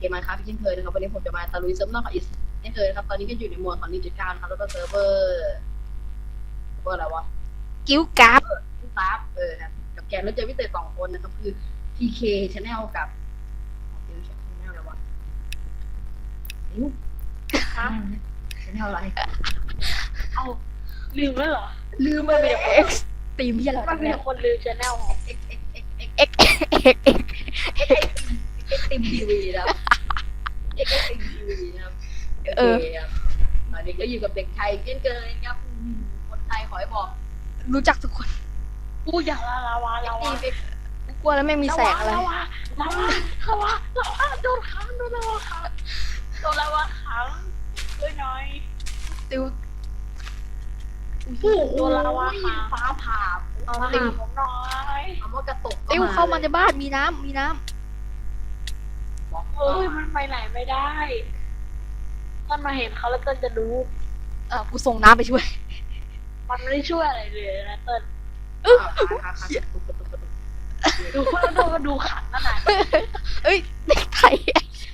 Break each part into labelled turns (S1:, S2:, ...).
S1: กมมาครับเช่นเคยนะครับวันนี้ผมจะมาตะลุยเซิร์ฟนอกกับอีกเช่นเคยนะครับตอนนี้ก็อยู่ในโหมดของ 1.9 นะครับแล้วก็เซิร์ฟเวอร์อะไรวะ
S2: กิ้วกราฟ
S1: ครับครับกับแกนแล้วเจอพิเศษ2 คนนะครับคือ PK Channel กับPK Channel อะไรวะChannel อะไร
S3: เอาลืมแล้วเหรอ
S1: ลืมไปเลย
S2: X ตีมที่อะไร
S3: มันมีคนลืมชแนล
S2: X
S1: ติมทีวีนะครับติมทีวีนะครับโอเคครับตอนนี้ก็อยู่กับเด็กไทยเช่นเคยครับคนไทยขอให้บอก
S2: รู้จักทุกคน
S3: กูอยากลาวา
S2: กูกลัวแล้วไม่มีแสงอะไร
S3: ลาวาโดนขังโดนลาวาขังด้วยน้อย
S2: ติว
S3: โดนลาวาขัง
S1: ฟ้าผ่า
S3: มาหาผมน้อย
S1: คำว่ากระตุก
S2: ติวเข้ามาในบ้านมีน้ำ
S3: เฮ้ยมันไปไหนไม่ได้ต้นมาเห็นเขาแล้วต้นจะรู้
S2: กูส่งน้ำไปช่วย
S3: มันไม่ได้ช่วยอะไรเลยนะเต้นดูคนแล้วก็ดูขันนั่นแหละ
S2: เอ้ยเด็กไทย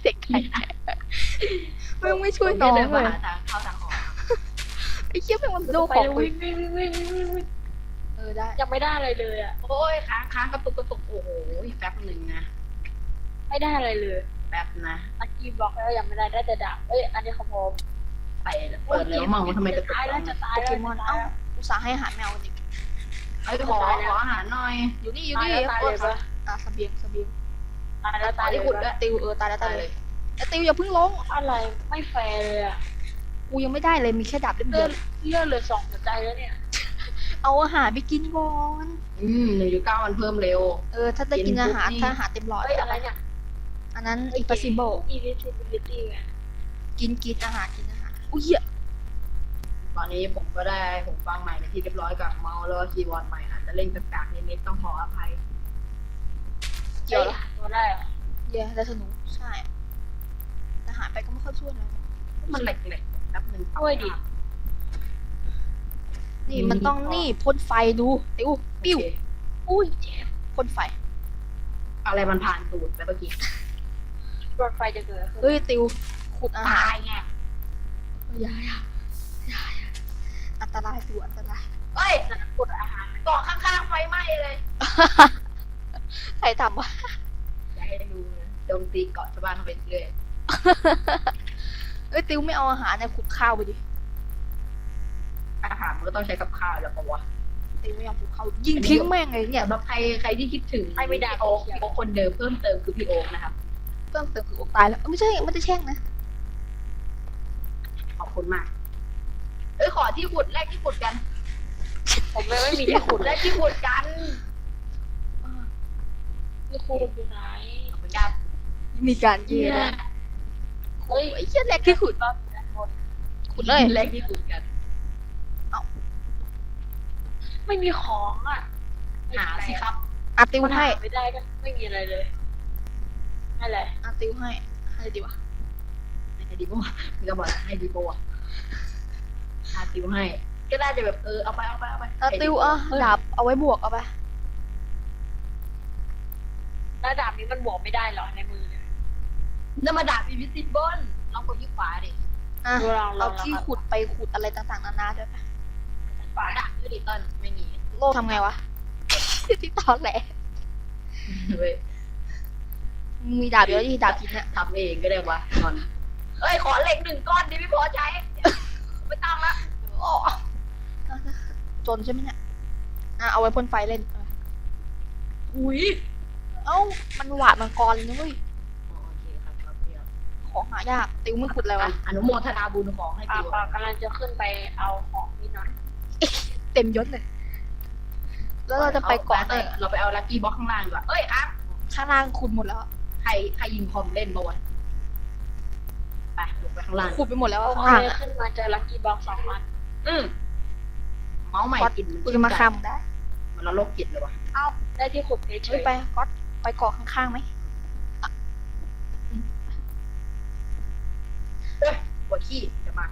S2: มึงไม่ช่วยน้องเลย
S1: ทางเข้าทางออก
S2: ไอ้เชี่ยแม่งมันโดน
S3: ไป
S2: ของ
S3: วิ่ง
S2: ได้
S3: ยังไม่ได้อะไรเลยอ่ะ
S1: โอ้ยค้างกระตุกโอ้โหแป๊บหนึ่งนะ
S3: ไม่ได้อะไรเลย
S1: แป๊บนะ
S3: ตะกี้บอกแล้วยังไม่ได้แต่ดาบอันนี้ของผม
S1: ไปเปิดแล้วมองว่าทำไมกระตุก
S3: ตายแล้วจะตาย
S2: โป
S3: แล้ว
S2: เกมอนเอ้าอุตส่าห์ให้อาหารแมวนี่
S1: ไอ้ขออาหารหน่อย
S2: อยู่นี่
S3: ตายเลยปะ
S2: เสบียง
S3: ตายแล้ว
S1: ตายที่ขุดด้วย
S2: ติวตายแล้วตายเลยแต่ติวอย่าเพิ่งลง
S3: อะไรไม่แฟร์เลยอ่ะ
S2: กูยังไม่ได้เลยมีแค่ดาบเล่มเดียว
S3: เลื่อนเลย2 หัวใจแล้วเนี่ย
S2: เอาอาหารไปกินก่อน
S1: 1.9มันเพิ่มเร็ว
S2: ถ้าได้กินอาหารถ้าอาหารเต็มหลอด
S3: อะไรเนี่ย
S2: อันนั้น impossible
S3: invisibility ไง
S2: กินอาหารอุ้ยเหี้ย
S1: ตอนนี้ผมก็ได้ผมฟังใหม่ในที่เรียบร้อยกับเมาส์แล้วก็คีย์บอร์ดใหม่อาจจะเล่นกากๆนิดๆต้องขออภัย
S2: เกี่ยวเหรอ
S3: ตัวได้เหรอ
S2: เย้ได้สนุกใช่อาหารไปก็ไม่ค่อยช่วยเลย
S1: มันแหลกๆแป๊บนึง
S3: ช่วยดิ
S2: นี่มันต้องนี่พ่นไฟดูติวปิ้ว
S3: อุ้ยเจ็บ
S2: พ่นไฟ
S1: อะไรมันผ่านตูดไปเมื่อกี้
S3: รถไฟจะเกิดขึ้น
S2: เฮ้ยติวขุดอาหาร
S1: ตายไง
S2: อย่าอันตรายติวอันตราย
S1: เฮ้ยกดอาหารเกาะข้างๆไฟไหม้เลย
S2: ใครทำวะ
S1: จะให้ดูโจมตีเกาะชาวบ้านเขาไปเรื่อย
S2: เอ้ยติวไม่เอาอาหารเนี่ยขุดข้าวไปดิ
S1: อาหารมันก็ต้องใช้กับข้าวแล้วปะวะ
S2: ติวไม่ยอมขุดข้าวยิงทิ้งแม่งเลยเนี่ย
S1: สำหรับใครที่คิดถึงพี่โอ๊คคนเดิมเพิ่มเติมคือพี่โอ๊คนะครับ
S2: เพิ่มเติมคืออกตายแล้วไม่ใช่ไม่ได้แช่งนะ
S1: ขอบคุณมากขอที่ขุดแรกที่ขุดกัน
S3: ผมไม่มีที่ขุด
S1: แรกที่ขุดกัน
S3: ที่ขุดอยู่ไหน
S1: ขอบคุณครับ
S2: มีการเยื
S3: เนี่ย
S2: น
S3: เฮ้ย
S2: ไอ้เชี่ยแรกที่ขุด
S3: รอบด้านบน
S2: ขุดเลย
S1: แรกที่ขุดกัน
S3: ไม่มีของอ่ะ
S1: หาสิครับ
S2: ติว
S3: มัน
S2: ให้
S3: หาไม่ได้ก็ไม่มีอะไรเลยอะไร
S2: ติวให้ดีวะ
S1: ให้ดีโบมึงก็บอกให้ดีโบอาติวให้ ก็ได้จะแบบเอาไป
S2: ติวดาบเอาไว้บวกเอาไป
S3: แล้วดาบนี้มันบวกไม่ได้เหรอในมือเนี่ย
S1: น้ำมาดาบอินวิซิเบิลลองกดที่ขวาดิ
S2: เอาที่ขุดไปขุดอะไรต่างๆนานาด้วยไป
S1: ขวาดาบด้วยดิต้นไม่มี
S2: โลทำไงวะ ที่ตอนแหละ
S1: เว้ย
S2: มีดาบเยอะที่ดาบกินเนี่ย
S1: ทำเองก็ได้วะนอนขอเหล็ก1 ก้อนดิไม่พอใช้ไม่ต้องละ
S2: จนใช่ไหมเนี่ยเอาไว้พ่นไฟเล่น
S1: อุ้ย
S2: มันหวาดมังกรเลยนะเว้ย
S1: โอเคครับเดี๋ยว
S2: ของหายากติวไม่ขุดอะไรวะ
S1: อนุโมทนาบุญของให้ติว
S3: กำลังจะขึ้นไปเอาของนี่หน่อย
S2: เต็มยศเลย แล้วเราจะไปเกาะไหน
S1: เราไปเอาลัคกี้บ็อกข้างล่างดีกว่าอ่ะ
S2: ข้างล่างขุดหมดแล้ว
S1: ใครยิงคอมเล่นบ้างไปลงไปข้างล่าง
S2: ขุดไปหมดแล้ว
S3: โอ
S2: ข้าง
S3: เค
S2: ล่าง
S3: ขึ้นมาเจอลัคกี้บ็อก2 อัน
S1: เมาส์ใหม่
S2: ก๊อต
S1: กิน
S2: กูจะมาคำได้
S1: มันละโรคจิตเลยวะ
S3: ได้ที่ขุดเฉ
S2: เฮ้ย
S3: ย
S2: ไปก๊อตไปเกาะข้างๆไหม
S1: ปวดขี้จะมา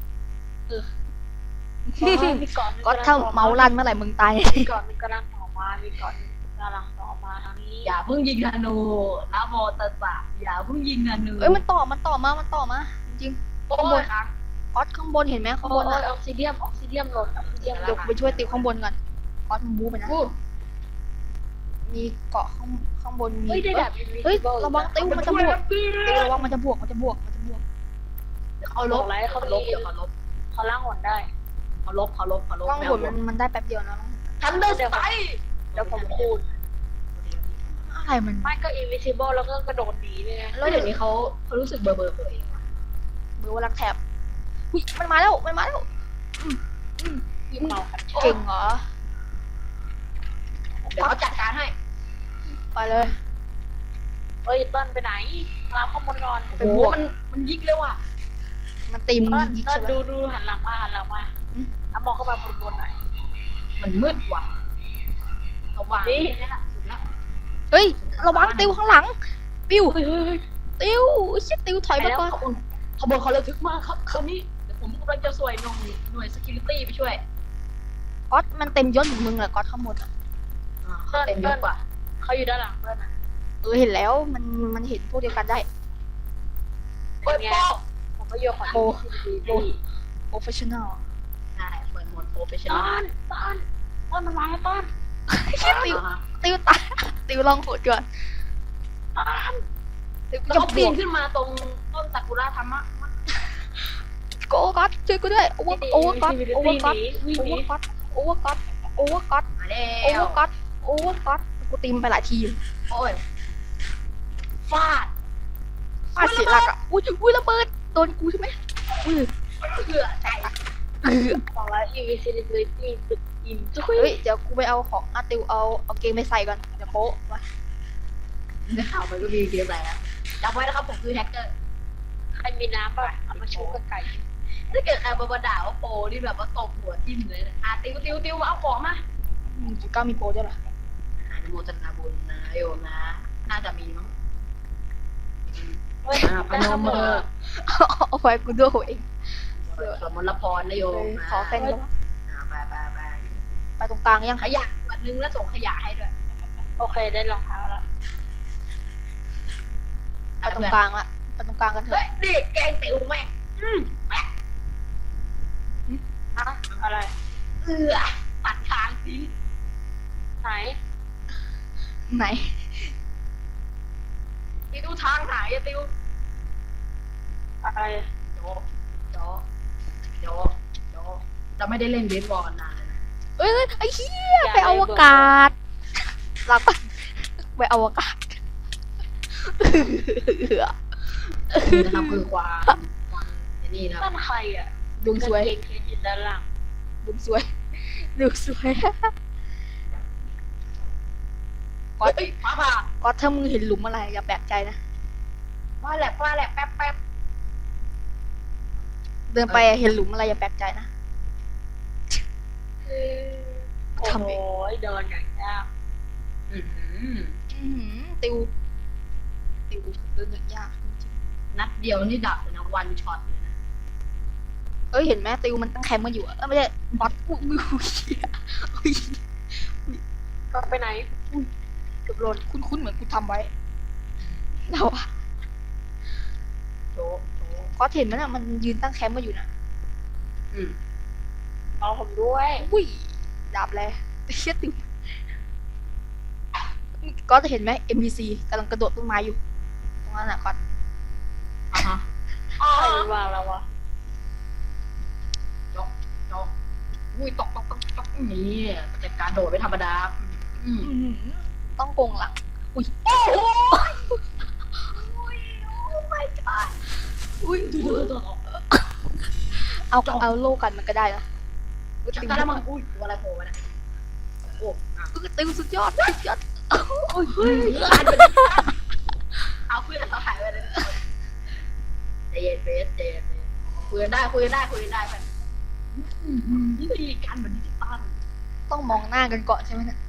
S3: มีก่อน
S2: ก๊อตถ้าเมาลั่นเมื่อไหร่มึงตาย
S3: มีก่อนมีกำลังต่อมามีก่อนกำลังต่อมาทางนี้
S1: อย่าเพิ่งยิงธนูนะโมตัสสะอย่าเพิ่งยิงธนู
S2: เอ้ยมันต่อมาจริง
S1: โอ้ยครับ
S2: ๆก๊อตข้างบนเห็นไหมข้าง
S3: โอ้
S2: บน
S3: ย
S2: อ่ะ
S3: ออกซิเดียมหล่นออกซิเดียม
S2: เดี๋ยวกูไปช่วยติวข้างบนก่อนก๊อตมึงบู๊ไปนะ
S1: อู้
S2: มีเกาะข้างบนมี
S3: เฮ้ยได้แบบ
S2: เฮ้ย
S3: invisible
S2: ระวังติวมันจะบวกติวระวังมันจะบวก
S1: เดี๋ยวเขาลบ
S3: บอกแล้วเขา
S1: ลบเดี๋ยวเขาลบ
S3: เขาล่างหนได้
S1: เขาลบ
S2: กล้องบนมันได้แป๊บเดียวนะ
S1: ทันเดอร์สไต
S3: เดี๋ยวผมคูณ
S2: อะไรมัน
S3: ไม่ก็ invisible แล้วก็กระโดดหนีเลยไง
S1: แล้วเดี๋ยวนี้เขารู้สึกเบอร์ตัวเองว่ะ
S2: เบอร์ว่ารักแถบอุ้ยมันมาแล้ว
S3: ยิงเมากัน
S2: เก่งเหรอ
S1: เดี๋ยวเขาจัดการให้
S2: ไปเลย
S3: เฮ้ยต้นไปไหนรับข้อมูลก่อน
S1: โอ้โหมันยิงเร็วอ่ะ
S2: มันตีม
S3: ต้น
S2: ยิง
S3: ต้
S2: ใช่
S3: น
S2: ไหม
S3: ดูหันหลังมาเอามองเข้ามาบนหน่อย
S1: มันมืดว่ะระวัง
S3: นี่
S1: นี่แหละสุดละ
S2: เฮ้ยระวังติวข้างหลังปิว
S1: เฮ้ย
S2: ติวชิติวถอยมาก่อน
S1: ขบวนเขาระทึกมากครับคราวนี้เดี๋ยวผมกำลังจะสวยหน่วย security ไปช่วย
S2: ก๊อตมันเต็มยศเหมือนมึงแหละก๊อตข้างบนอ่ะ
S1: เต็มเยอะกว่า
S3: เขาอยู่ด้านหลังต้นอ่ะ
S2: เห็นแล้วมันเห็นพวกเดียวกันได้
S1: เปิดโปร
S3: ผมก็โยกขอ
S2: โอ้
S3: ต้น
S2: professional
S1: ใช่เปิดโหมดโปรเฟชชั่น
S3: ต้นมันมาแล้วต้น
S2: ติวตายติวลองโหดก่อน
S3: ต้น
S2: ติว
S1: แล้ว
S2: จะ
S1: เขา
S2: บ
S1: ปี
S2: วน ก
S1: ขึ้นมาตรงต้นซากุระธรรมะ
S2: โกก๊อตช่วยกูด้วยโอเวอร์ก๊อต
S3: วิ่งหนี
S2: โอเวอร์ก๊อตโอเวอร์ก๊อต
S1: มาแล้
S2: โอเวอ
S1: ว
S2: ร์ก๊อตโอเวอร์ก๊อตกูตีมไปหลายทีอยู่
S1: โอ้ยฟาด
S2: ฟาดเสียหลักอ่ะอุ้ยระเบิดโดนกูใช่ไหมอุ้ย
S1: เผื่อใจ
S3: บอกแล้ว invisibility ตึกอินจุ้
S2: เฮ้
S3: ย
S2: ยเดี๋ยวกูไปเอาของติวเอาเกงไปใส่ก่อนเดี๋ยวโป๊ะมา
S1: ได้ข่าวมันก็มีเกมอะไรนะจำไว้นะครับผมคือแฮกเกอร์
S3: ใครมีน้ำป่ะเอามาชูกับไก่
S1: ถ้าเกิดใครมาด่าว่าโปรนี่แบบว่าตบหัวทิ่มเลยนะติวมาเอาของมา
S2: ก้ามีโปรด้วยเหรอ
S1: อนุโมทนาบุญนะโยมนะ น่าจะมีมั้ง
S3: เฮ้ย
S1: พนมมือ
S2: เอาไว้กูด้วยเอง
S1: สมรพรนะโยม
S2: ขอแฟนแล้ว
S1: ไป
S2: ไปตรงกลางยัง
S1: ขยะวันนึงแล้วส่งขยะให้ด้วย
S3: โอเคได้รองเท้าแล้ว
S2: ไปตรงกลางละไปตรงกลางกันเถ
S1: เฮ้
S2: อะ
S1: ยนี่แกงติวแม่งแม่ง
S3: อะอะไร
S1: ตัดทางสิ
S3: ไหน
S2: ไหน
S1: ติวทางหายอะติว
S3: อะไร
S1: โจเราไม่ได้เล่นเบสบอลนานเลยนะ
S2: เอ้ยไอ้เหี้ยไปอวกาศหลักไปอวกาศ
S1: นี่นะครับคือความนี่นะ
S3: นั่นใครอ่ะ
S2: ดวงสวย
S3: เก่งๆอยู่ด้านหลัง
S2: ดวงสวยดวงสวยก๊อต
S1: เฮ้ยฟ้าผ่า
S2: ก๊อตถ้ามึงเห็นหลุมอะไรอย่าแปลกใจนะ
S1: ฟ้าแหลกแป๊บ
S2: เดินไปเห็นหลุมอะไรอย่าแปลกใจนะ
S3: โอ้
S2: ทำเอง
S3: โหเดินอย่างยาก
S2: ติวเดินอย่างยากจริง
S1: นัดเดียวนี่ดับเลยนะวันช็อตเลยนะ
S2: ๆเอ้ยเห็นไหมติวมันตั้งแคมป์มาอยู่อะไม่ใช่บอสกูมือเหี้ยอุ๊ย
S3: ก็ไปไหน
S2: เกือบหล่นคุ้นๆเหมือนกูทำไว้เราอะ
S1: โจ
S2: ก็เห็นไหมน่ะมันยืนตั้งแคมป์มาอยู่น่ะ
S3: เอาผมด้วย
S2: อุ้ยดาบเลยเชี่ยติวก็จะเห็นไหม MBC กำลังกระโดดต้นไม้อยู่ตรงนั้นน่ะก็
S1: อ่ะฮะ
S3: ใครวางแล้ววะ
S1: โจอุ้ยตกนี่แต่การโดดไม่ธรรมดา
S2: ต้องโกงหลัง
S1: โอ้ไม่จ้า
S2: อุ้ย
S1: ตัว
S2: เอาโลกันมันก็ได้นะ
S1: จักรแล้วมันอุ้ยตัวอะไรโผล่มาเนี่ยโอ้
S2: ติวสุดยอด
S1: โอ้ยเอาเพื่อนเขาหายไปเลยใจเย็นเบสใจเย็นคุยกันได้ไปนี่คือการเหมือนดิจิตอล
S2: ต้องมองหน้ากันก่อนใช่ไหมเนี่ย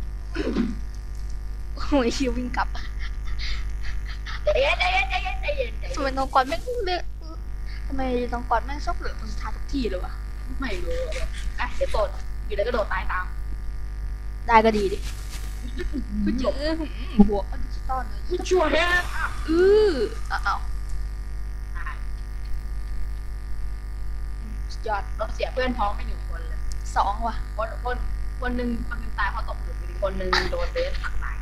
S2: โอ้ยชิววิ่งกลับ
S1: ใจเย็น
S2: ทำไมน้องก่อนแม่งเลือกทำไมน้องก่อนแม่งชอบเหลือคนสุดท้ายทุกทีเลยวะ
S1: ไม่รู้อ่ะเดี๋ยวโดดอยู่แล้วก็โดดตายตาม
S2: ได้ก็ดีดิคือจบบวกดิจิตอลเลย
S1: ผู้ช่วยฮะ
S2: อ้าวสุดยอด
S1: เราเสียเพื่อนพ้องไป1 คนเลย
S2: 2ว่ะ
S1: คนหนึ่งตายเพราะตกหลุมอีกคนหนึ่งโดนเบสตักตาย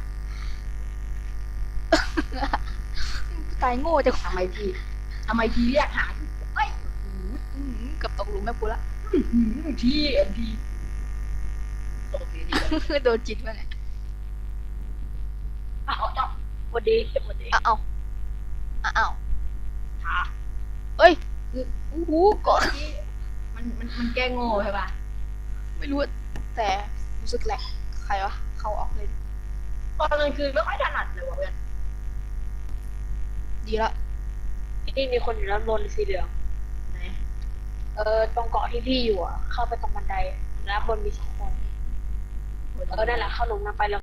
S2: ตายโง่จัง
S1: ทำไมทีเรียกหาเฮ้ย
S2: เกับตกหลุมแม่กูละ
S1: ทีเอ็นทีตกที
S2: โดนจิตไปไหน
S1: เอาจับ
S3: สวัสดีสวัสดี
S2: อ้าวอ้าว
S1: ขา
S2: เอ้ยโอ้โหก่อน
S1: มันแก้โง่ใช่ป่ะ
S2: ไม่รู้แต่รู้สึกแหลกใครวะเขาออกเลย
S1: ตอนกลางคืนไม่ค่อยถนัดเลยว่ะเพื่อน
S2: ดีละ
S3: ที่นี่มีคนอยู่ด้านบนสีเหลือง
S1: ไหน
S3: ตรงเกาะที่พี่อยู่อ่ะ เข้าไปตรงบันไดแล้วบนมี2 คนนั่นแหละเข้าลงน้ำไปแล้ว